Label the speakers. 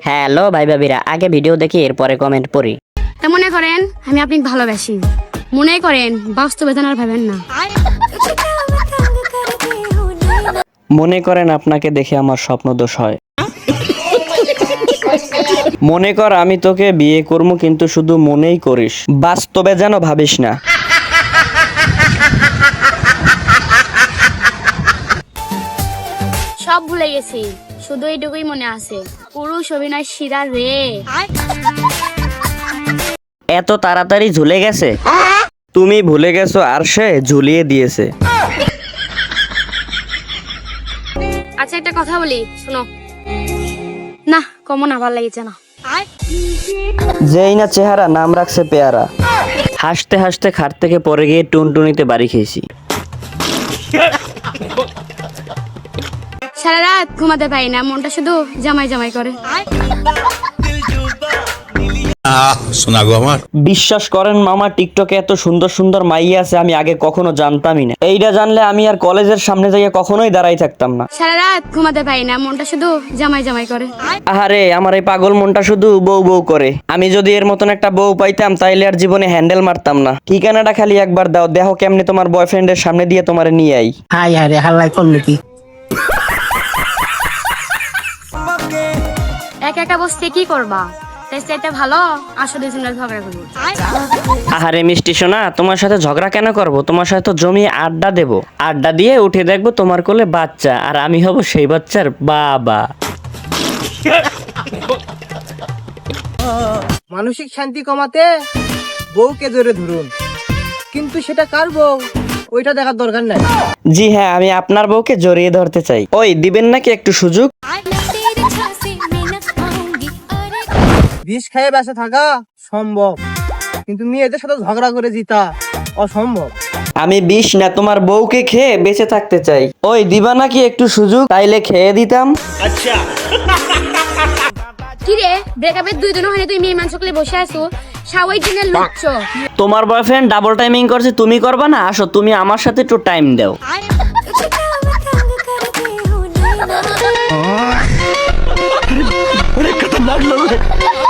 Speaker 1: Hello ভাই ভাবিরা, আগে ভিডিও দেখি এরপরে কমেন্ট পড়ি।
Speaker 2: মনে করেন আমি আপনাকে ভালোবাসি, মনে করেন বাস্তবে আর ভাবেন না।
Speaker 3: মনে করেন আপনাকে দেখে আমার স্বপ্ন দোষ হয়। মনে কর আমি তোকে বিয়ে করবো, কিন্তু শুধু মনেই করিস, বাস্তবে যেন ভাবিস না।
Speaker 2: সব ভুলে গেছি, শুধু এইটুকুই মনে আছে, পুরুষ অভিনয় শিরা রে।
Speaker 3: এত তাড়াতাড়ি ঝুলে গেছে? তুমি ভুলে গেছো আর সে ঝুলিয়ে দিয়েছে।
Speaker 2: আচ্ছা একটা কথা বলি, শোনো। না কমন আবার লাগিছে না।
Speaker 3: যেই না চেহারা নাম রাখছে পেয়ারা। হাসতে হাসতে খাট থেকে পরে গিয়ে টুনটুনিতে বাড়ি খেয়েছি।
Speaker 2: সারা রাত ঘুমাতে পারি না, মনটা শুধু জামাই জামাই করে।
Speaker 4: শোনা গো আমার।
Speaker 3: বিশ্বাস করেন মামা, টিকটকে এত সুন্দর সুন্দর মাইয়া আছে আমি আগে কখনো জানতামই না। এইটা জানলে আমি আর কলেজের সামনে যাইয়া কখনোই দাঁড়াই থাকতাম না।
Speaker 2: সারা রাত ঘুমাতে পারি না, মনটা শুধু জামাই জামাই করে।
Speaker 3: আহারে আমার এই পাগল মনটা শুধু বউ বউ করে। আমি যদি এর মতন একটা বউ পাইতাম তাইলে আর জীবনে হ্যান্ডেল মারতাম না। ঠিকানাটা খালি একবার দাও, দেখো কেমনে তোমার বয়ফ্রেন্ডের সামনে দিয়ে তোমারে নিয়ে আই।
Speaker 1: হাই হারে হাল্লাই করলো কি?
Speaker 2: একা একা বসতে কি করবা? তাই সেটা ভালো, আসলে দুজনের ঝগড়া করবো।
Speaker 3: আহারে মিষ্টি সোনা, তোমার সাথে ঝগড়া কেন করব? তোমার সাথে তো জমিয়ে আড্ডা দেব। আড্ডা দিয়ে উঠে দেখবো তোমার কোলে বাচ্চা, আর আমি হব সেই বাচ্চার বাবা।
Speaker 5: মানসিক শান্তি কমাতে বউকে জোরে ধরুন, কিন্তু সেটা কার বউ ওইটা দেখার দরকার নাই।
Speaker 3: জি হ্যাঁ, আমি আপনার বউকে জড়িয়ে ধরতে চাই। ওই দিবেন নাকি একটু সুযোগ?
Speaker 5: বিষ খেয়ে বেঁচে থাকা সম্ভব, কিন্তু মেয়েদের সাথে ঝগড়া করে জিতা অসম্ভব।
Speaker 3: আমি বিষ না, তোমার বউকে খেয়ে বেঁচে থাকতে চাই। ওই দিবা নাকি একটু সুযোগ, তাইলে খেয়ে দিতাম।
Speaker 2: কি রে, ব্রেকআপের 2 দিন হয়নি তুই মেয়ে মানুষ করে বসে আছো, সাওয়াই দিনের লুচ্ছ।
Speaker 3: তোমার বয়ফ্রেন্ড ডাবল টাইমিং করছে, তুমি করবা না? আসো তুমি আমার সাথে একটু টাইম দাও।
Speaker 4: खतरनाक लोग